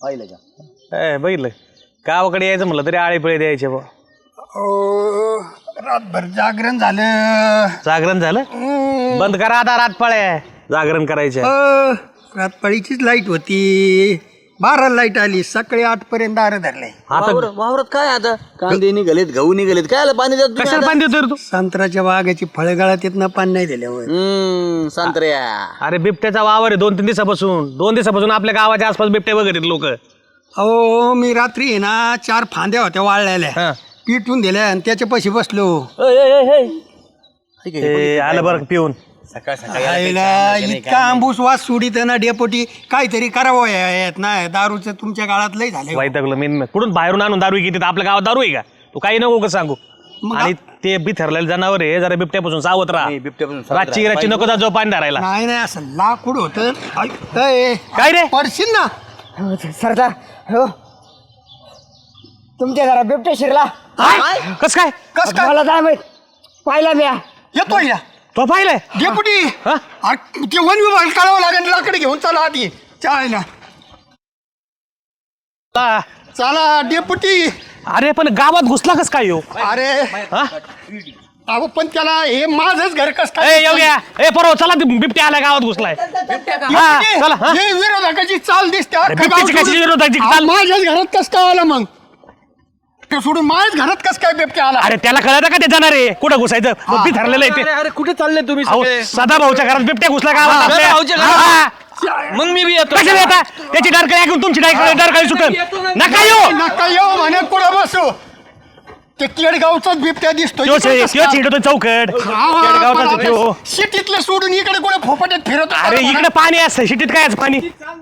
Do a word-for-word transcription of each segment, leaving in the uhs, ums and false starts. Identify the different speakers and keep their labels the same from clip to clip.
Speaker 1: पाहिलं का?
Speaker 2: ए बघितलं गावाकडे यायचं म्हटलं तरी आळे पिळे द्यायचे बा.
Speaker 3: रातभर जागरण झालं.
Speaker 2: जागरण झालं बंद करा आता रातपाळ्या जागरण करायच्या.
Speaker 3: रातपाळीचीच लाईट होती. बारा लाईट आली सकाळी आठ पर्यंत दार धरले.
Speaker 1: वावरात काय आता कांदे निघालेत गहू निघालेत काय आलं पाणी देत
Speaker 2: कशाला पाणी देतो रे तू?
Speaker 3: संत्र्याच्या बागाची फळगाळात येत ना पाणी नाही दिल्यावर.
Speaker 1: हम्म संत्र्या
Speaker 2: अरे बिबट्याचा वावर आहे दोन तीन दिवसापासून दोन दिवसापासून आपल्या गावाच्या आसपास बिबटे वगैरे लोक.
Speaker 3: अहो मी रात्री आहे ना चार फांद्या होत्या वाळलेल्या पिटून दिल्या आणि त्याच्या पैसे बसलो.
Speaker 2: आलं बरं पिऊन
Speaker 1: सकाळ
Speaker 3: आईला इतका आंबूस वास सुडीत ना डेपोटी काहीतरी करावं यात ना दारूचं तुमच्या काळात लय झाले.
Speaker 2: वाईटकलं मी कुठून बाहेरून आणून दारू घेते आपल्या गावात दारू आहे का? तू काही नको का सांगू. आणि ते बिथरलेलं जनावर आहे जरा बिबट्यापासून सावध राहा.
Speaker 1: बिबट्यापासून
Speaker 2: रातची रातची नको जा जो पाणी धरायला.
Speaker 3: नाही नाही असं लाकूड होतं. ऐ,
Speaker 2: काय रे
Speaker 3: पडशील ना.
Speaker 4: सरदार हो तुमच्या घरा बिबट्या शिरला.
Speaker 2: कस काय
Speaker 3: कस काय
Speaker 4: मला काय माहित पाहिला मी.
Speaker 3: येतोय या
Speaker 2: तो पाहिलंय
Speaker 3: डेपुटी.
Speaker 2: हा?
Speaker 3: अरे, ते वन विभाग काढावं लागेल लाकडे घेऊन चला आधी चालेल.
Speaker 2: आ,
Speaker 3: चला डेपुटी.
Speaker 2: अरे पण गावात घुसला कस काय यो?
Speaker 3: अरे
Speaker 2: हा?
Speaker 3: अहो पण त्याला हे माझंच घर कस
Speaker 2: ए
Speaker 3: काय
Speaker 2: येऊ घ्या ए बरोबर चला ते बिबट्या आला गावात घुसलाय. हा, चला, हा?
Speaker 3: हे विरोधकाची चाल दिसते.
Speaker 2: अरे, बिबट्याची कशी विरोधकाची चाल?
Speaker 3: अहो, माझ्याच घरात कस काय आला मग ते सोडून माझ्याच घरात कस काय बिबट्या आला.
Speaker 2: अरे त्याला कळत का ते जाणार आहे कुठं घुसायचं मग बिथरलेलं आहे ते.
Speaker 1: अरे कुठे चालले तुम्ही
Speaker 2: अहो सदा भाऊच्या घरात बिबट्या घुसला गावात आपल्या.
Speaker 1: सदाभाऊच्या घरात?
Speaker 2: हा, हा.
Speaker 1: मग मी बी येतो.
Speaker 2: कशाला येता त्याची डरकाळी ऐकून तुमची डरकाळी सुटन नका येऊ.
Speaker 3: नका येऊ म्हणे कुठं बसू. ते केडगावचाच बिबट्या दिसतोय.
Speaker 2: त्यो छे- त्यो चिडतो चौकट केडगावचा त्यो.
Speaker 3: सिटीतलं सोडून इकडे कुठे फोपाट्यात फिरत.
Speaker 2: अरे इकडे पाणी असतं शिटीत काय असं पाणी.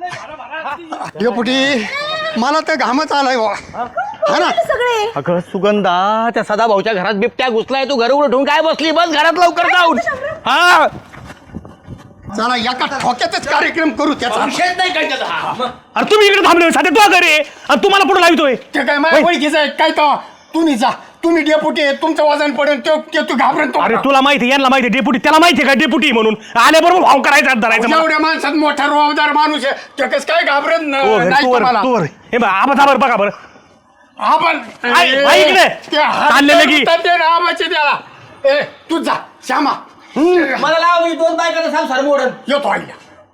Speaker 3: डेपुटी मला तर घामच आलाय बा. हा ना
Speaker 1: अगं सुगंधा त्या सदाभाऊच्या घरात बिबट्या घुसलाय तू घर उठून काय बसली बस घरात लवकर जाऊन. हा
Speaker 3: चला एका ठोक्यातच कार्यक्रम करू त्याचा.
Speaker 1: विषयच नाही काय त्याचा.
Speaker 2: अरे तुम्ही इकडे थांबले साधे तो घरी आणि तुम्हाला पुढे लावतोय.
Speaker 3: ते काय माझ्या ओळखीचं आहे काय तो. तुम्ही जा तुम्ही डेपुटी आहे, तुमचं वजन पडेल ते ते तू घाबरेल तो.
Speaker 2: अरे तुला माहिती यांना माहिती डेपुटी त्याला माहिती का डेपुटी म्हणून आल्याबरोबर भाव करायचा धरायचा मला.
Speaker 3: एवढ्या माणसात मोठा रोजदार माणूस आहे ते कसं काय घाबरत न-
Speaker 2: तू घर,
Speaker 3: नाही
Speaker 2: तू वर,
Speaker 3: तुम्हाला.
Speaker 2: तू वर. हे बघ आबा बरं बघा बरं.
Speaker 3: आपण
Speaker 2: आई- आई इकडे.
Speaker 3: ते हात
Speaker 2: चालले लगी.
Speaker 3: धरतात ते रामाचे त्याला. ए तू जा श्यामा.
Speaker 1: मला लाव मी दोन बायकाचा संसार मोडन.
Speaker 3: येतो आईला.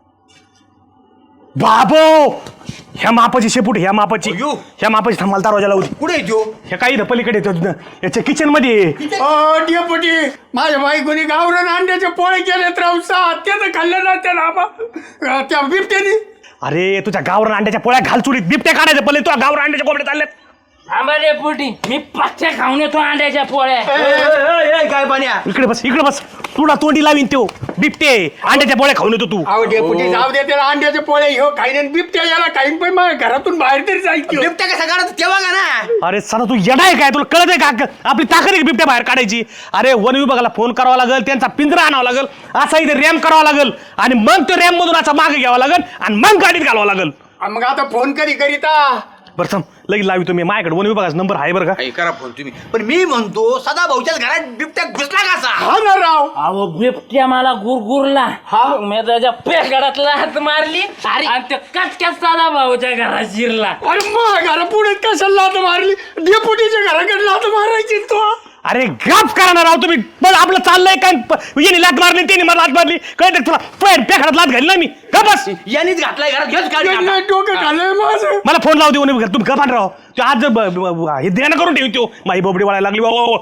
Speaker 2: बाबो ह्या मापाची शेपूट ह्या मापाची ह्या मापाची थांबाल दरवाजा लावू.
Speaker 1: कुठे येतो
Speaker 2: ह्या काही पलीकडे येतो याच्या किचन मध्ये.
Speaker 3: अ, डेपुटी माझ्या बायकोनी गावरण अंड्याचे पोळे केलेत राहू सात त्याचं खाल्लं ना त्या रामा अ, त्या बिबट्यानी.
Speaker 2: अरे तुझ्या गावरान अंड्याच्या पोळ्या घाल चुलीत बिबट्या काढायचं पहिले तुझ्या गावरान अंड्याच्या कोंबड्या चालल्यात.
Speaker 5: आंबाडे पोटी मी पच्च्या खाऊन येतो अंड्याच्या पोळ्या.
Speaker 1: काय पाण्या
Speaker 2: इकडे बस इकडे बस तुला तोंडी लावीन तो बिबटे अंड्याच्या पोळ्या खाऊन येतो तू.
Speaker 3: अहो डेपुटी जाऊ दे त्याला अंड्याचे पोळे ह्यो खाईन बिबट्या याला खाईन पण माझ्या घरातून बाहेर तरी जायची.
Speaker 1: बिबट्या कसा काढत तेव्हा का ना.
Speaker 2: अरे सर तू येणार आहे काय तुला कळत आहे का आपली ताकद आहे बिबट्या बाहेर काढायची. अरे वन विभागाला फोन करावा लागेल त्यांचा पिंजरा आणावा लागेल असा इथे रॅम करावा लागेल आणि मग तो रॅम मधून असा मागे घ्यावा लागेल आणि मग गाडीत घालावं लागेल.
Speaker 3: मग आता फोन करी करीता
Speaker 2: बरं थांब लगेच लावी तुम्ही माझ्याकडे वन विभागाचा नंबर आहे बरं का.
Speaker 1: करा फोन तुम्ही पण मी म्हणतो सदाभाऊच्याच घरात बिबट्या घुसला कसा.
Speaker 3: हा ना राव.
Speaker 5: अहो बिबट्या मला गुरगुरला मी त्याच्या पेगडातला हात मारली आणि ते कटक्यात साधा भाऊच्या घरात शिरला.
Speaker 3: अरे मग घरा पुढे कशाला लात मारली. डेपुटीच्या घराकडे लात मारायची तो.
Speaker 2: अरे गप करा ना राव तुम्ही. पण आपलं चाललंय काय यांनी लात मारली त्यांनी मला लात मारली कळत तुला पेड पेखाडात लात घाली ना मी गप बस.
Speaker 1: यांनीच घातलाय घरात घेच काढ.
Speaker 3: त्यांना डोकं खाल्लंय माझं.
Speaker 2: मला फोन लावू देऊ नये तुम्ही गपान राव. तो आज ब- ब- ब- हे ध्यान करून ठेवी तो माई बोबडी वाळायला लागली बाबा.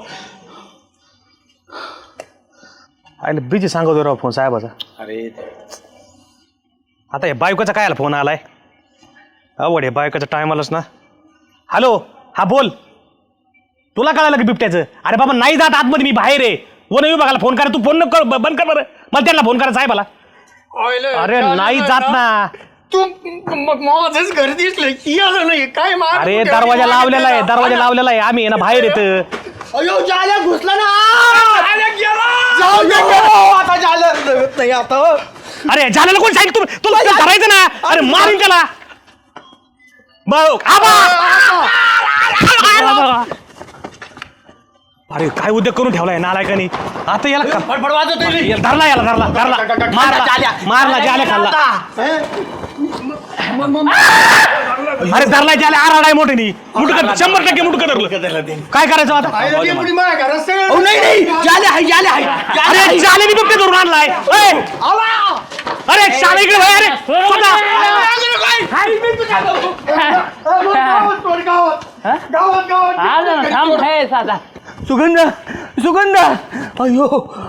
Speaker 2: आयला बिजी सांगतो राव फोन साहेबाचा.
Speaker 1: अरे
Speaker 2: आता हे बायकोचा काय आला फोन आलाय अवड हे बायकोचा टाइम आलाच ना. हॅलो हा बोल तुला कळालं की बिबट्याचं. अरे बाबा नाही जात आतमध्ये मी बाहेर आहे. वन विभागाला फोन करा तू फोन नको कर बंद कर बरं मला त्यांना फोन करा साहेबाला. अरे नाही जात ना.
Speaker 3: तू मग माझंच घर दिसलं की आलं नाही काय मार.
Speaker 2: अरे दरवाजा लावलेला आहे दरवाजा लावलेला आहे आम्ही ना बाहेर येत.
Speaker 1: अयो जाल्या घुसला ना.
Speaker 3: जाऊ दे
Speaker 1: आता जाल्या नाही आता.
Speaker 2: अरे झालेलं कोण सांगितलं तुम्ही तुला ते धरायचं ना. अरे मारून त्याला बघ आबा. अरे काय उद्योग करून ठेवलाय नालायकानी. आता याला
Speaker 1: फडफड वाजवतोय.
Speaker 2: याला धरला याला धरला धरला मारला मारला जाल्या खाल्ला. अरे धरलाय त्याला आराडाय मोठे मुटकं शंभर टक्के मुटकं धरलं. काय करायचं आता?
Speaker 3: पाहिलं डेपुटी माझ्या घरात सगळं-
Speaker 1: अहो, नाही नाही जाले आहे जाले आहे
Speaker 2: अरे चालेनी बिबटे धरून आणलाय. ए! अरे शाले इकडे वळ, अरे स्वतः.
Speaker 3: गावात सोड, गावात गावात गावात
Speaker 5: आलं ना, थांब हे साधा
Speaker 1: सुगंध सुगंध अयो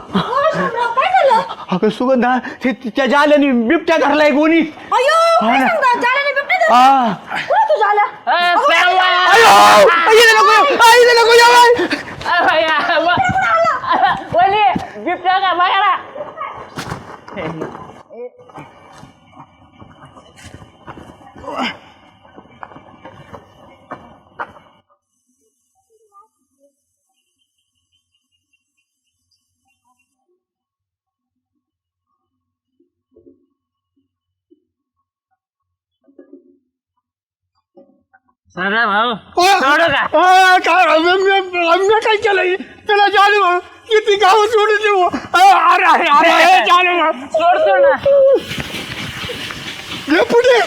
Speaker 1: अगं सुगंधा ते त्या जाल्याने बिबट्या धरलाय कोणी
Speaker 6: अयो काय सांगता जाल्याने बिबटे धरला?
Speaker 1: हा
Speaker 6: कोण तू झाला
Speaker 5: ए, श्यामा!
Speaker 1: अयो इथे नको येऊ, आ, इथे नको येऊ, बाई.
Speaker 5: अरे या, व- वली बिबट्या का बघा ना. साधा भाऊ सोडू का?
Speaker 3: आ, काय आम्ही आम्ही काय केलं त्याला जाले भाऊ किती गाव सोडून देऊ आ, अरे अरे अरे अरे, जाले भाऊ
Speaker 5: सोडतो ना.
Speaker 3: डेपुटी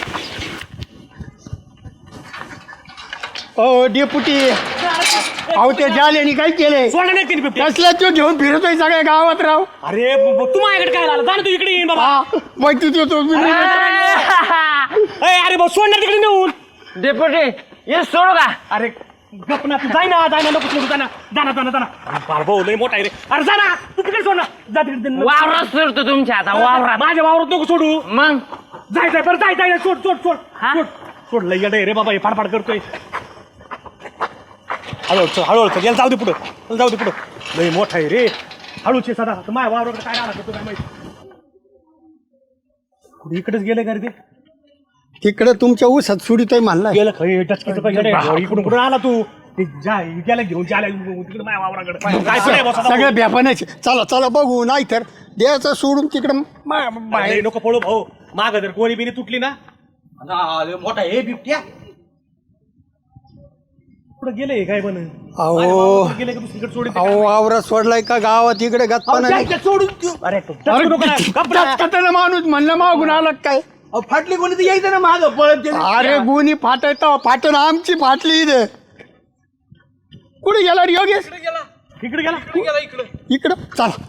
Speaker 3: ओ डेपुटी अहो त्या जाल्याने काय केलंय
Speaker 2: सोडलं नाही तिने बिबट्या.
Speaker 3: कसला तो घेऊन फिरतोय सगळ्या गावात राव
Speaker 2: अरे ब- ब- तू माझ्याकडे काय झालं? जा ना तू इकडे येईन बाबा.
Speaker 3: हा माहिती देतो मी
Speaker 2: ए, अरे भाऊ सोडणार तिकडे नेऊन.
Speaker 5: डेपुटी ये सोडू का?
Speaker 2: अरे गप ना तू जाय ना जाय ना नको सोडू जा ना जा ना जा ना जा ना. अरे बाळ भाऊ लय मोठा आहे रे. अरे जा ना तू तिकडे सोड ना. जा तिकडे
Speaker 5: वावरात सोडतो तुमच्या आता वावरात.
Speaker 2: माझ्या वावरात नको सोडू.
Speaker 5: मग
Speaker 2: जाय जाय बरं जाय जाय सोड सोड सोड
Speaker 5: हा?
Speaker 2: सोड सोड लय येडं आहे रे बाबा हे फाडफाड करतोय. हळूहळू चल, हळूहळू चल. याला जाऊ दे पुढं याला जाऊ दे पुढं लय मोठा आहे रे. हळूचे सदा माझ्या वावराकडे काय राहणार करतो काय माहिती. कुठे इकडेच गेले का रे ते?
Speaker 3: तिकडे तुमच्या ऊसात सुडीतोय म्हणला
Speaker 2: गेलं खरी टचकीचं काय येडं आहे. इकडून कुठून आला तू ते जा गेला घेऊन जायला तिकडे माझ्या वावराकडे काय पुढे बसा
Speaker 3: सगळ्या ब्यापानाचे चला चला बघू नाही तर द्यायचं सोडून तिकडं मा- बाहेर
Speaker 2: अरे नको पळू भाऊ माग जर कोणी बिनी तुटली ना
Speaker 1: मोठा हे बिबट्या
Speaker 2: कुठं गेले काय पण
Speaker 3: अहो
Speaker 2: गेले का दुसरीकडे सोडून
Speaker 3: अहो वावरात सोडलाय का गावात इकडे गप्पा नाही
Speaker 1: सोडून
Speaker 2: अरे टचकू नको ना, गप्प ना.
Speaker 3: कटाला माणूस म्हणलं मागून आला का काय
Speaker 1: अहो, फाटली कोणी तर यायचं ना माग पळत गेलं.
Speaker 3: अरे गुणी फाटत फाटून आमची फाटली इथे कुठे गेला रे योगेश
Speaker 2: इकडे गेला
Speaker 3: इकडं चला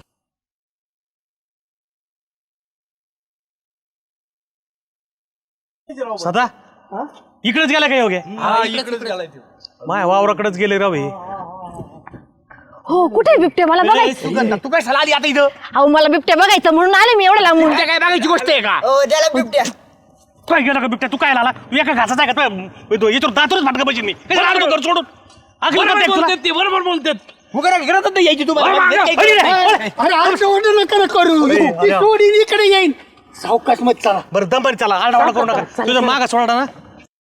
Speaker 2: सदा इकडेच गेला काय योग्य माय वावराकडेच गेले राव हे.
Speaker 6: हो कुठे बिबटे मला बघायचं
Speaker 1: सुगंधा तू काय आली आता इथं
Speaker 6: अहो मला बिबटे बघायचं म्हणून आले मी एवढं लांबून
Speaker 1: काय बघायची गोष्ट आहे का
Speaker 4: बिबट्या
Speaker 2: काय गेला का बिबट्या तू काय आला तू एका घासाचा आहे का तू याच्यावर दातूरच फाटका पाहिजे मी कशाला आणतो घर सोडून अकल
Speaker 5: बरोबर
Speaker 2: करते तुला?
Speaker 5: बोलतात ते बरोबर बोलतात.
Speaker 1: उगाच घरात नाही यायची तू
Speaker 2: अरे, अरे, अरे,
Speaker 3: अरे आमचं ऑर्डर नका करू ती सोडीन इकडे येईन सावकाश मत चला
Speaker 2: बरं दंबारी चला आरडाओरडा करू नका तुझा मागा सोडा ना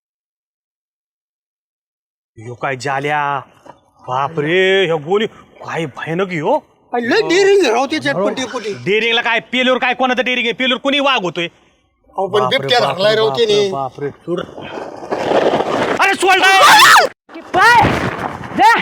Speaker 2: यो काय जाल्या बापरे ह्यो गोली काय भयानक हो
Speaker 3: लय डेरिंग राव ते चटपटी पुटी
Speaker 2: डेरिंगला काय पेलूर काय कोणाचं डेरिंग आहे पेलूर कोणी वाघ होतोय
Speaker 3: अहो पण बिबट्या धरलाय राव त्याने
Speaker 2: बापरे सोड अरे सोड
Speaker 6: पाय जा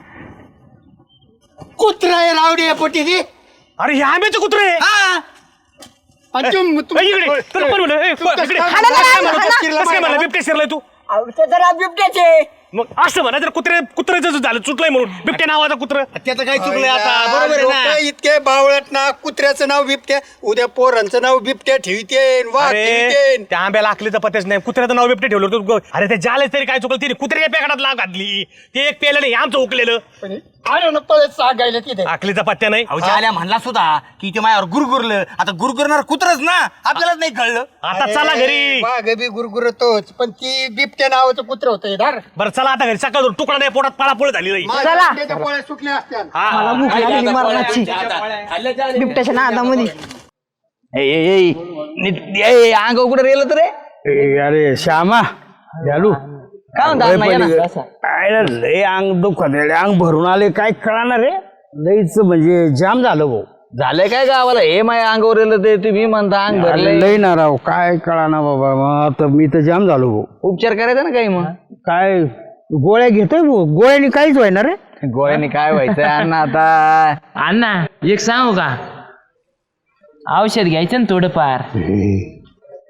Speaker 3: कुत्रा आहे रावडी पोटी ती
Speaker 2: अरे हे आंब्याचं कुत्रे
Speaker 3: आणि तुम- तुम-
Speaker 2: इकडे तुला पण म्हणलं, ए,
Speaker 3: तू
Speaker 2: इकडे.
Speaker 3: कसं-
Speaker 6: हाणा ना,
Speaker 3: कसं
Speaker 6: हाणा.
Speaker 3: म्हणतो चिरला
Speaker 2: कसं काय म्हणलं
Speaker 3: माहिती
Speaker 2: बिबट्या शिरलाय तू
Speaker 4: जरा बिबट्याचे
Speaker 2: मग असं म्हणा जर कुत्रे कुत्र्याचं झालं चुटलंय म्हणून बिबट्या नावाचा कुत्र
Speaker 1: त्याचं काय चुकलंय आता
Speaker 3: अरे
Speaker 1: बरोबर आहे
Speaker 3: लोकं
Speaker 1: ना
Speaker 3: इतके बावळट ना कुत्र्याचं नाव बिबट्या उद्या पोरांचं नाव बिबट्या ठेवतेन वाघ
Speaker 2: अरे
Speaker 3: ठेवतेन
Speaker 2: त्या आंब्याला आखलीचा पत्याच नाही कुत्र्याचं नाव बिबटे ठेवलं तू ग- अरे ते जालेच तरी काय चुकलं तिने कुत्र्याच्या पेकाडात लाग घातली ते एक पेलं नाही आमचं उकलेलं
Speaker 3: आलो ना पळत सांगायला तिथे
Speaker 2: आखलीचा पत्त्या नाही
Speaker 1: अहो आल्या म्हणला सुद्धा की ते माझ्यावर गुरगुरलं आता गुरगुरणार कुत्रच ना आपल्यालाच नाही कळलं
Speaker 2: आता चला घरी
Speaker 3: वाघ बी गुरगुरतोच पण ती बिबट्या नावाचं कुत्र होतं धार
Speaker 2: बरं चला आता घरी सकाळ तुकडा नाही पोटात पळापळ झाली नाही
Speaker 6: चला.
Speaker 3: त्याच्या पोळ्या सुटल्या असत्या
Speaker 6: मला भूक लागली मरणाची बिबट्याच्या नादामध्ये
Speaker 1: ए, ए, ए, नीट- ए, ए, अंग कुठं रेलं तर रे
Speaker 7: अरे श्यामा झालू
Speaker 1: काय म्हणता अण्णा, या ना.
Speaker 7: काय लय अंग दुखत रे अंग भरून आले काय कळणार रे लईच म्हणजे जाम झालं भाऊ
Speaker 1: झालंय काय गावाला हे माझ्या अंगावर रेलं ते तुम्ही म्हणता अंग
Speaker 7: अरे
Speaker 1: भरलंय
Speaker 7: लय ना राव काय कळाना बाबा मग आता मी तर जाम झालो भाऊ
Speaker 1: उपचार करायचा ना काही मग
Speaker 7: काय गोळ्या घेतोय भाऊ गोळ्यानी काहीच व्हायना रे
Speaker 1: गोळ्याने काय व्हायचं अण्णा आता
Speaker 5: अण्णा एक सांगू का औषध घ्यायचं ना थोडंफार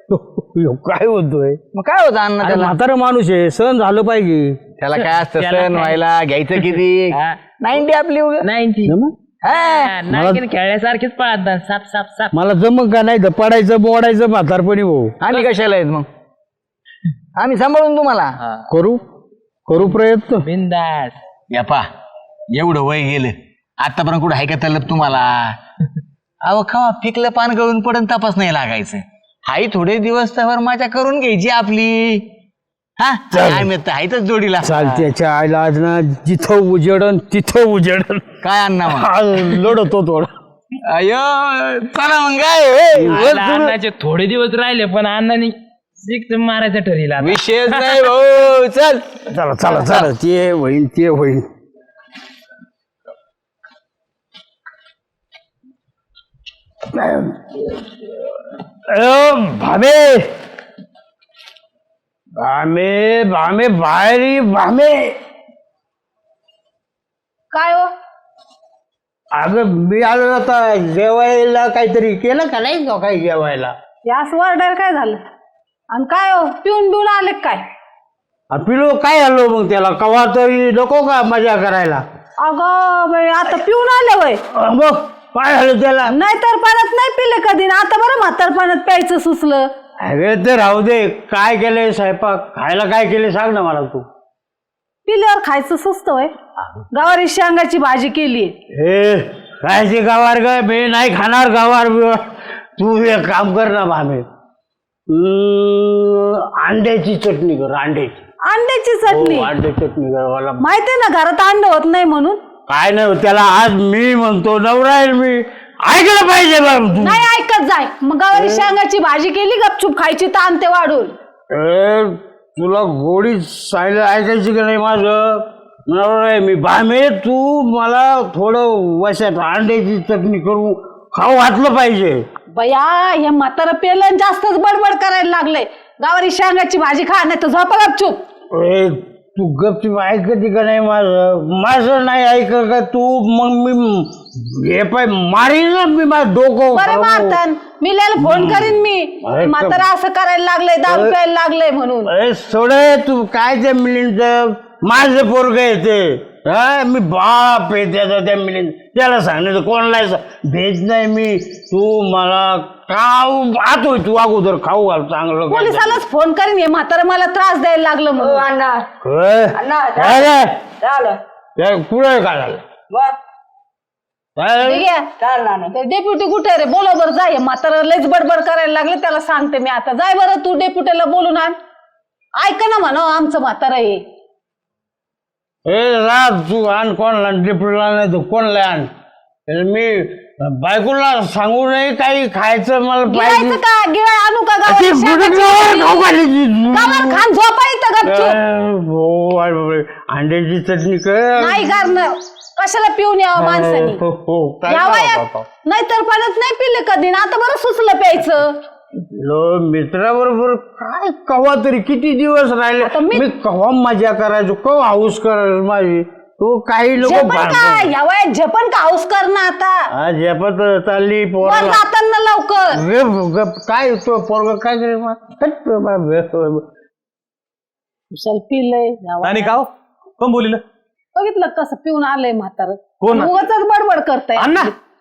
Speaker 7: ह्यो काय होतोय
Speaker 1: मग काय होतं अण्णा
Speaker 7: अरे
Speaker 1: त्याला
Speaker 7: म्हातारा माणूस आहे सण झालं पाहिजे
Speaker 1: त्याला काय असतं
Speaker 5: त्याला
Speaker 1: सण
Speaker 5: काय?
Speaker 1: व्हायला घ्यायचं किती नाईन्टी आपली उगा.
Speaker 5: नाईन्टी
Speaker 7: जमलं?
Speaker 5: नाईन्टी खेळण्यासारखेच पळतात साप साप साप
Speaker 7: मला जमक का नाही तर पडायचं बोडायचं म्हातारपणी भाऊ
Speaker 1: आम्ही कशाला आहेत मग आम्ही सांभाळून तुम्हाला
Speaker 7: करू करू प्रयत्न
Speaker 5: बिंदास
Speaker 1: यापा एवढं वय गेलं आतापर्यंत कुठं आहे का तलब तुम्हाला अहो खवा पिकलं पान गळून पडून तपास नाही लागायचं हाई थोडे दिवस त्यावर माझ्या करून घ्यायची आपली हा आम्ही तर आहेतच जोडीला
Speaker 7: चालत्याच्या आईला आज ना जिथं उजेडन तिथं उजेडन
Speaker 1: काय अण्णा मग
Speaker 7: हा, लढतो थोडं
Speaker 1: अयो चला मग काय ए, वर
Speaker 5: आता
Speaker 1: सुरू.
Speaker 5: अण्णाचे थोडे दिवस राहिले पण अण्णाने सिक्स मारायचं ठरविलं आता.
Speaker 1: विशेष नाही भाऊ चल
Speaker 7: चला चला चला ते होईन ते होईन अ, भामे भामे भामे बाहेर ये, भामे
Speaker 6: काय हो
Speaker 7: अगं मी आलो आता जेवायला काहीतरी केलं का नाही का काही जेवायला
Speaker 6: यास ऑर्डर काय झालं आणि काय हो पिऊन बिऊन आले का काय
Speaker 7: आ, पिलो काय आलो मग त्याला कवा तरी नको का मजा करायला
Speaker 6: अगं बाई आता पिऊन आले वय
Speaker 7: अ, मग काय झालं त्याला
Speaker 6: नाही तर पाण्यात नाही पिले कधी ना आता बरं म्हातार पाण्यात प्यायचं सुचलं
Speaker 7: अरे ते राहू दे काय केलंय स्वयंपाक खायला काय केले सांग ना मला तू
Speaker 6: पिल्यावर खायचं सुचतं वय गवारी शेंगाची भाजी केली
Speaker 7: हे कायची गावार ग मी नाही खाणार गावार बिवार. तू एक काम कर ना भामे अं, अंड्याची चटणी कर अंड्याची
Speaker 6: अंड्याची
Speaker 7: हो,
Speaker 6: चटणी
Speaker 7: अंड्याची चटणी कर मला
Speaker 6: माहितीये ना घरात अंड होत नाही म्हणून
Speaker 7: काय नाही त्याला आज मी म्हणतो नवरा आहे मी ऐकलं पाहिजे बा तू
Speaker 6: नाही ऐकत जाय मग गवारी शेंगाची भाजी केली गपचूप खायची ताण ते वाढून
Speaker 7: ए, तुला गोडी सायला ऐकायची का नाही माझं नवरा आहे मी भामे तू मला थोडं वशात अंड्याची चटणी करून खाऊ घातलं पाहिजे
Speaker 6: बया हे म्हातारं पेलं जास्तच बडबड करायला लागले गावारी शेंगाची भाजी खा नाही तर झोपा गपचूप
Speaker 7: ए, तू गपचूप ऐकते का नाही माझं माझं नाही ऐक का तू मग मी हे पाय मारीन ना मी माझं डोकं
Speaker 6: बरे
Speaker 7: खाऊ.
Speaker 6: मारतान मी लिहायला फोन करीन मी
Speaker 7: अरे
Speaker 6: म्हातारा असं करायला लागलंय दारू प्यायला लागलंय म्हणून
Speaker 7: अरे सोडे तू काय त्या मिलिंद माझं पोरग येते हा मी बाप आहे त्याचा त्या मिलिंद त्याला सांगण्याचं कोणाला सा- भेज नाही मी तू मला खाऊ आतोय तू अगोदर खाऊ घाल चांगलं काय.
Speaker 6: पोलिसालाच फोन करीन हे म्हातारा मला त्रास द्यायला लागलं म्हणून
Speaker 7: होय? काय रे? काय पुढे काय झालं काय झालं?
Speaker 6: ते डेप्युटी कुठे रे बोला बरं जाय म्हातारा लयच बडबड करायला लागले त्याला सांगते मी आता जाय बरं तू डेप्युटीला बोलून आण ऐका ना म्हणा आमचं म्हातारा हे
Speaker 7: ए राज तू आण कोणला डिप्लोला नाही तू कोणला आण तर मी बायकोला सांगू नाही काही खायचं मला
Speaker 6: गिळायचं
Speaker 7: पाहिजे
Speaker 6: का गिळाय आणू का
Speaker 7: ती
Speaker 6: गावाला
Speaker 7: गुडघ्यावर खाऊ घाली ती.
Speaker 6: गावाला खान झोपा इथं गपचूप
Speaker 7: ए, हो अरे बापरे. अंड्याची चटणी कर
Speaker 6: नाही करणं कशाला पिऊन यावं माणसानी
Speaker 7: हो, हो, काय
Speaker 6: या
Speaker 7: करावं
Speaker 6: वयात
Speaker 7: बाबा?
Speaker 6: नाहीतर पाण्यात नाही पिले कधी ना आता बरं सुचलं प्यायचं
Speaker 7: लो मित्राबरोबर काय कवा तरी किती दिवस राहिले
Speaker 6: आता मी-
Speaker 7: मी कवा मजा करायचो कवा हाऊस करायचो माझी तू काही नको
Speaker 6: झेपण
Speaker 7: भांडण.
Speaker 6: का या वयात झेपण का हाऊस करणं आता
Speaker 7: हा झेपत चालली
Speaker 6: वर
Speaker 7: पोराला
Speaker 6: जाताना लवकर
Speaker 7: गप- गप- काय तो पोरग काय करे
Speaker 6: कुशाल पिलंय या वयात.
Speaker 2: आणि का हो? कोण बोलिलं
Speaker 6: बघितलं कसं पिऊन आलंय म्हातार
Speaker 2: कोण?
Speaker 6: उगाच बडबड करताय
Speaker 2: अण्णा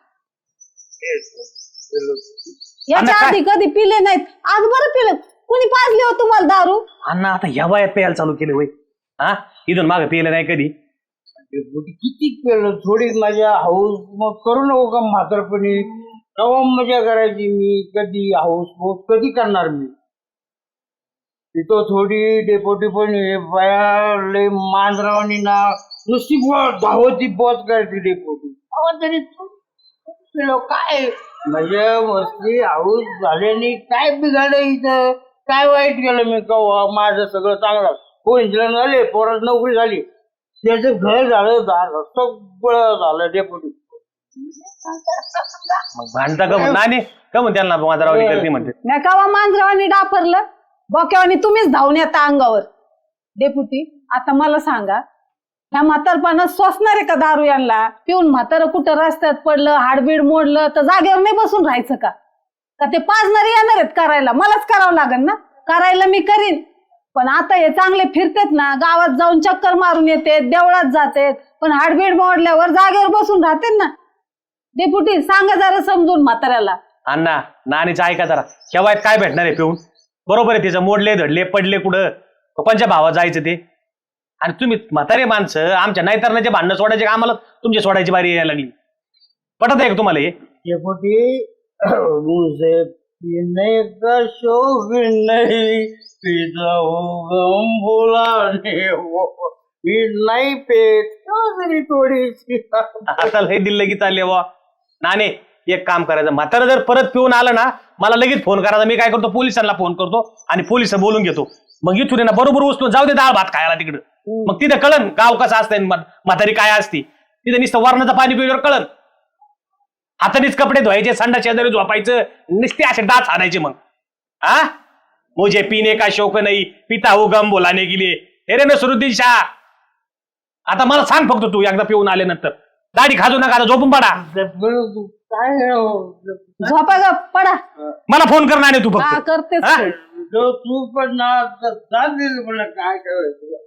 Speaker 6: याच्या
Speaker 2: अण्णा,
Speaker 6: आधी कधी पिले नाहीत आज बरं पिलं कुणी पाजले हो तुम्हाला दारू
Speaker 2: अण्णा आता ह्या वयात प्यायला चालू केले वय हा इथून मागे पिलं नाही कधी
Speaker 7: किती केलं थोडी मजा हाऊस मग करू नको का म्हातारपणी कवा मजा करायची मी कधी हाऊस हाऊस कधी करणार मी तिथं थोडी डेपोटी पण हे बाया मांजरावानी ना नुसती धावती पोच करायची डेपोटी अहो तरी तू पिलो काय मजा मस्ती हाऊस झाल्याने काय बिघाडलं इथं काय वाईट केलं मी कवा माझं सगळं चांगलं हो इंजिनियर झाले पोरात नोकरी झाली त्याचं घर झालं झालं सगळं झालं डेपुटी
Speaker 2: मग भांडता का नानी का म्हणते त्यांना माझा करते म्हणते
Speaker 6: नाही कावा मांजरावानी डापरलं बोक्यावानी तुम्हीच धावून येता अंगावर डेपुटी आता मला सांगा ह्या म्हातारपणात सोसणार आहे का दारू यांना पिऊन म्हातारं कुठं रस्त्यात पडलं हाडबीड मोडलं तर जागेवर नाही बसून राहायचं का का ते पाजणारे येणार आहेत करायला? मलाच करावं लागेल ना. करायला मी करीन, पण आता हे चांगले फिरतेत ना, गावात जाऊन चक्कर मारून येते, देवळात जातेत, पण हाडबीड मोडल्यावर जागेवर बसून राहते ना. डेपुटी सांगा जरा समजून म्हाताऱ्याला.
Speaker 2: अण्णा नानीचं ऐका जरा, केव्हा काय भेटणार आहे पिऊन? बरोबर आहे, तिचं मोडले धडले पडले कुठं, कोणच्या भावात जायचं ते? आणि तुम्ही म्हातारे माणसं आमच्या नाहीतरणाचे भांडणं सोडायचे का आम्हाला तुमची सोडायची बारी यायला लागली? पटत आहे का तुम्हाला हे?
Speaker 7: डेपुटी मुझे पीने का शौक नहीं, पीता हूँ गम भुलाने वो, पी नहीं पेट थोड़ी सी.
Speaker 2: आता लय दिल लगेच चालले वा. नाने एक काम करायचं, म्हातारं जर परत पिऊन आलं ना मला लगेच फोन करायचा. मी काय करतो, पोलिसांना फोन करतो आणि पोलिस बोलून घेतो. मग इथून ना बरोबर उचलून जाऊ दे डाळ भात खायला तिकडं. मग तिथं कळन गाव कसं असतंय, म्हातारी काय असती. तिथं नुसतं वरणाचं पाणी पिल्यावर कळन. हातानेच कपडे धुवायचे, संडा शेजारी झोपायचं, नुसते असे डाच आणायचे. मग हा मुझे पीने का शौक नाही, पिता हूँ गम भुलाने के लिए. हे रे नसरुद्दीन शाह, आता मला सांग फक्त तू एकदा पिऊन आले नंतर दाढी खाजू नका, झोपून पडा.
Speaker 7: काय
Speaker 6: झोपा ग, पडा.
Speaker 2: मला फोन करणार नाही तू
Speaker 6: हा
Speaker 2: फक्त.
Speaker 6: करतेच
Speaker 2: हा?
Speaker 6: ते.
Speaker 7: जो तू पण ना चालेल मला काय करायचं.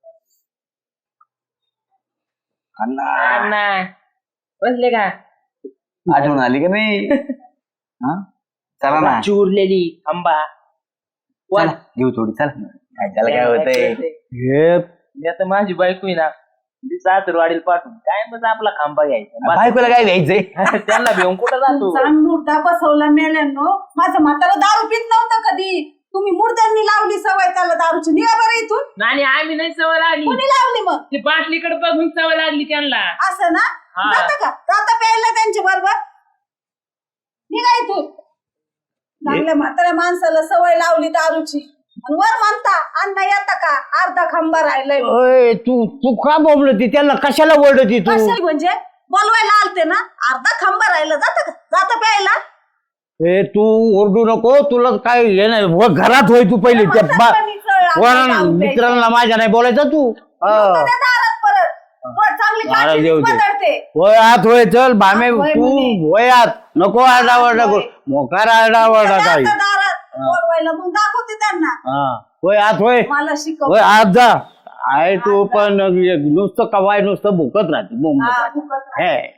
Speaker 5: अण्णा बसले का?
Speaker 1: आठवण आली का नाही? हा चला ना,
Speaker 5: चुरलेली आंबा
Speaker 1: चला, घेऊ थोडी. चला काय त्याला काय होतंय.
Speaker 7: हे
Speaker 5: मी आता माझी बायको आहे ना, ती सासर वाढील पाठवून काय मग आपला खांबा घ्यायचा.
Speaker 1: बायकोला काय द्यायचंय?
Speaker 5: त्यांना घेऊन कुठं जातो?
Speaker 6: चांग मुर्दा बसवला मेल्यानो. माझं म्हातारा दारू पित नव्हतं कधी. तुम्ही मुर्द्यांनी लावली सवय त्याला दारूची. निघा बरं इथून.
Speaker 5: नाही आम्ही नाही सवय लागली,
Speaker 6: कोणी लावली मग?
Speaker 5: ती बाटलीकडे बघून सवय लागली त्यांना.
Speaker 6: असं ना?
Speaker 5: हा.
Speaker 6: जाता का? जाता प्यायला त्यांच्या बरोबर? निघा इथून. चांगल्या म्हाताऱ्या माणसाला सवय लावली दारूची आणि वर म्हणता अण्णा येता का? अर्धा खांबा राहिलाय.
Speaker 7: ओय, तू तू का बोबलती त्यांना? कशाला ओरडती तू?
Speaker 6: कशाला म्हणजे? बोलवायला आलते ना. अर्धा खांबा राहिला. जाता का? जाता प्यायला.
Speaker 7: ए तू ओरडू नको, तुला काय हे नाही. व घरात होय तू पहिले त्या बा- कोणा- मित्रांना माझ्या नाही बोलायचं तू. हा.
Speaker 6: दारात परत वर चांगली
Speaker 7: मारा
Speaker 6: काठी
Speaker 7: देऊ दे.
Speaker 6: बदलते.
Speaker 7: होय आत होय, चल भामे
Speaker 6: आत होय
Speaker 7: तू
Speaker 6: म्हणे.
Speaker 7: होय आत. नको आरडावरडा करू, मोकार आरडावरडा काही.
Speaker 6: जाता दारात बोलवायला मग दाखवते त्यांना.
Speaker 7: हा होय आत होय.
Speaker 6: मला शिकव.
Speaker 7: होय आत जा. आहे तू पण नुसतं कवाय नुसतं भुकत राहते बोंब.
Speaker 6: हा, भुकत राहते.
Speaker 7: हे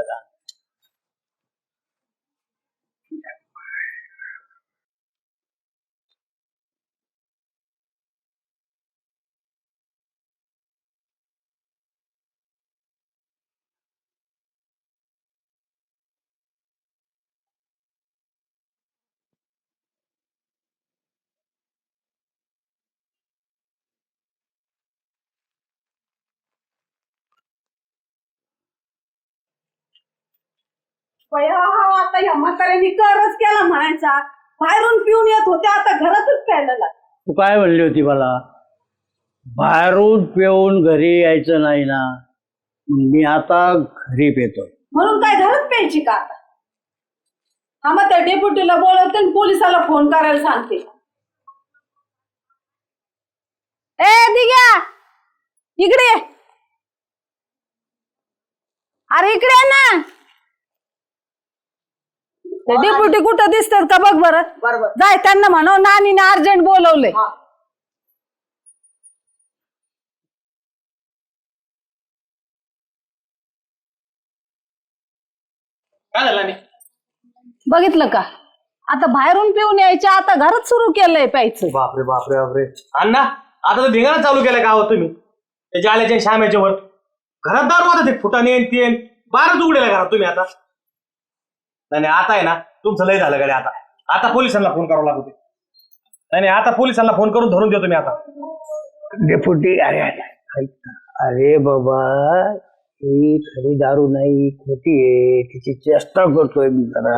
Speaker 6: बया, हा आता या म्हाताऱ्यांनी करच केला म्हणायचा. बाहेरून पिऊन येत होते, आता घरातच प्यायला लागले.
Speaker 7: तू काय म्हणली होती मला? बाहेरून पिऊन घरी यायचं नाही ना. मी आता घरी पेतोय.
Speaker 6: म्हणून काय घरात प्यायची का आता? हा मग त्या डेप्युटीला बोलवते आणि पोलिसाला फोन करायला सांगते. ए दिग्या, इकडे ये. अरे इकडे ये ना. डेप्युटी कुठं दिसतात का बघ बरं.
Speaker 4: बरोबर.
Speaker 6: जाय त्यांना म्हणव नानीने अर्जंट बोलवले.
Speaker 2: काय झालं नाही?
Speaker 6: बघितलं का? आता बाहेरून पिऊन यायच्या, आता घरात सुरू केलंय प्यायचं.
Speaker 2: बापरे बापरे बापरे. अण्णा आता तर धिंगाणा चालू केलाय का तुम्ही? त्याच्या आल्याच्या श्यामेच्या वर घरात दारू आता ते फुटाने तेन बारच उघडेला घरात तुम्ही आता. नाही नाही आता आहे ना तुमचं लय झालं गाडी. आता आता पोलिसांना फोन करावं लागतो. नाही नाही आता पोलिसांना फोन करून धरून देतो मी आता.
Speaker 7: डेपुटी अरे अरे अरे बाबा, ही खरी दारू नाही, खोटी आहे. तिची चेष्टा करतोय मी जरा.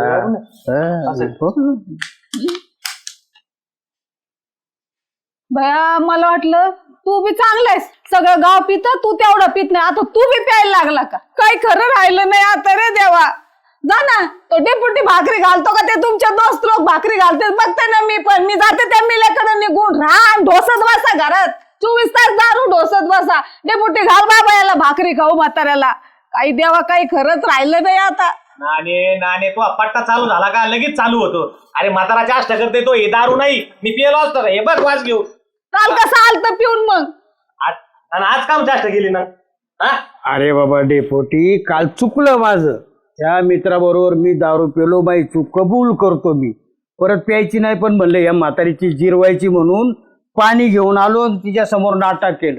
Speaker 6: भया मला वाटलं तू बी चांगलायस, सगळं गाव पित, तू तेवढं पित नाही. आता तू बी प्यायला लागला का? काही खरं राहिलं नाही आता रे देवा. जा ना, तो डेपुटी भाकरी घालतो का ते तुमच्या दोस्त लोक भाकरी घालते बघते ना मी पण. मी जाते त्या मिल्याकडे निघून राहा, ढोसत बसा घरात. चोवीस तास दारू ढोसत बसा. डेपुटी घाल बाबा याला भाकरी खाऊ म्हाताऱ्याला. काही देवा काही खरंच राहिलं नाही आता.
Speaker 2: नाणे नाणे तो पट्टा चालू झाला का लगेच चालू होतो. अरे म्हाताराच्या अष्ट करते तो, हे दारू नाही. मी पिलो असतो का? हे बघ वाज घेऊ.
Speaker 6: काल कसं आलतं पिऊन मग?
Speaker 2: आज आणि आज काम जास्त गेली ना. हा
Speaker 7: अरे बाबा डेपोटी, काल चुकलं माझं. त्या मित्राबरोबर मी दारू पेलो, बाई चूक कबूल करतो मी. परत प्यायची नाही, पण म्हणलं या म्हातारीची जिरवायची म्हणून पाणी घेऊन आलो, तिच्या समोर नाटक केलं.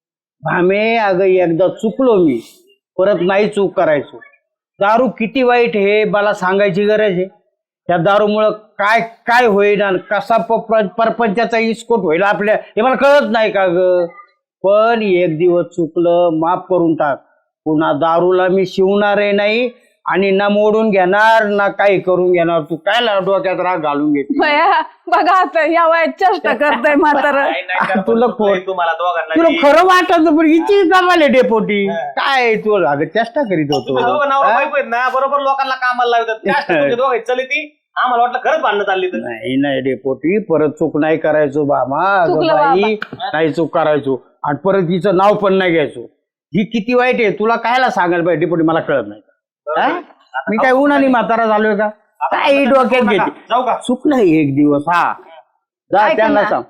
Speaker 7: भामे अगं एकदा चुकलो मी, परत नाही चूक करायचो. दारू किती वाईट हे मला सांगायची गरज आहे? त्या दारूमुळं काय काय होईल आणि कसा प- परपंचाचा इस्कोट होईल आपल्या, हे मला कळत नाही का ग. पण एक दिवस चुकलं, माफ करून टाक. पुन्हा दारूला मी शिवणारही नाही आणि ना मोडून घेणार ना काही करून घेणार. तू काय डोक्यात राग घालून घेते?
Speaker 6: भया बघा आता या वयात चेष्टा करताय म्हातारा.
Speaker 7: तुला खोट
Speaker 2: तुम्हाला दोघांना
Speaker 7: तुला खरं वाटत पण हिची कमाले डेपोटी काय तू अगं चेष्टा करीत होतो.
Speaker 2: तुम्ही दोघं नवरा बायको आहेत ना, बरोबर लोकांना कामाला लावतात. जास्त तुमचे दोघं चली ती, आम्हाला वाटलं खरंच भांडणं चालली तर.
Speaker 7: नाही नाही डेपोटी, परत चूक नाही करायचो बाबा. अगं
Speaker 6: चुकलं
Speaker 7: बाई नाही चूक करायचो आणि परत हिचं नाव पण नाही घ्यायचो. ही किती वाईट आहे तुला कायला सांगायला पाहिजे डेपोटी, मला कळत नाही. हा? मी काय उन्हाने म्हातारा झालोय का? काय डोक्यात घेते?
Speaker 2: जाऊ का?
Speaker 7: चुकलं एक दिवस. हा जा
Speaker 6: ऐका
Speaker 7: त्यांना
Speaker 6: ना.
Speaker 7: सांग.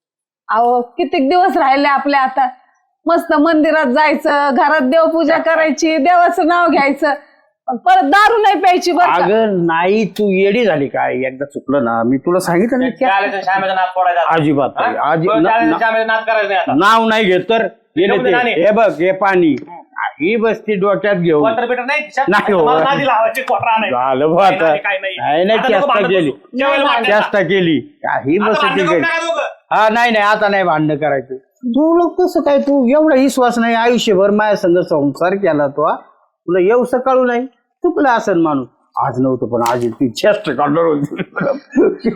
Speaker 6: अहो कितीक दिवस राहिले आपले आता. मस्त मंदिरात जायचं, घरात देवपूजा करायची, देवाचं नाव घ्यायचं, पण परत दारू नाही प्यायची बरं का?
Speaker 7: अगं नाही, तू येडी झाली काय? एकदा चुकलं ना, मी तुला सांगितलं ना.
Speaker 2: शाळेच्या श्यामेचा नाद फोडायचा.
Speaker 7: अजिबात नाही. अजि- न-
Speaker 2: शाळेच्या
Speaker 7: न-
Speaker 2: श्यामेचा नाद करायचा नाही आता.
Speaker 7: नाव नाही घेत तर हे
Speaker 2: घेऊन दे
Speaker 7: ते-
Speaker 2: नाणी.
Speaker 7: हे बघ हे पाणी ही बसती डोक्यात घेऊन
Speaker 2: क्वार्टर बिटर नाही खिशात?
Speaker 7: नाही हो.
Speaker 2: मला नादी लावायची, क्वार्टर आणायची.
Speaker 7: झालं बा आता.
Speaker 2: नाही, नाही, नाही.
Speaker 7: नाही नाही
Speaker 2: आता नको
Speaker 7: चेष्टा
Speaker 2: भांडण
Speaker 7: केली,
Speaker 2: बसू. जेवायला वाटायला.
Speaker 7: चेष्टा केली काही
Speaker 2: आता
Speaker 7: बसती
Speaker 2: भांडण करू
Speaker 7: काही.
Speaker 2: नका दोघं.
Speaker 7: हा नाही नाही आता नाही भांडण करायचं. तू लोक कसं काय, तू एवढा विश्वास नाही आयुष्यभर माझ्या संग संसार केला तो हा? तुला येऊ कळू नाही? चुकलं असेल माणूस. आज नव्हतं पण आज ती चेष्टा काढणार होती.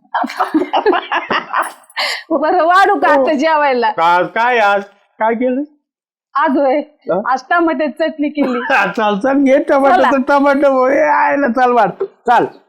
Speaker 6: बरं वाढू का आता जेवायला?
Speaker 7: आज काय आज काय केलं?
Speaker 6: आज होय
Speaker 7: हा?
Speaker 6: आज टमाट्याची चटणी केली.
Speaker 7: चाल चाल घे टमाटर टमाटर आयला चाल वाट चाल.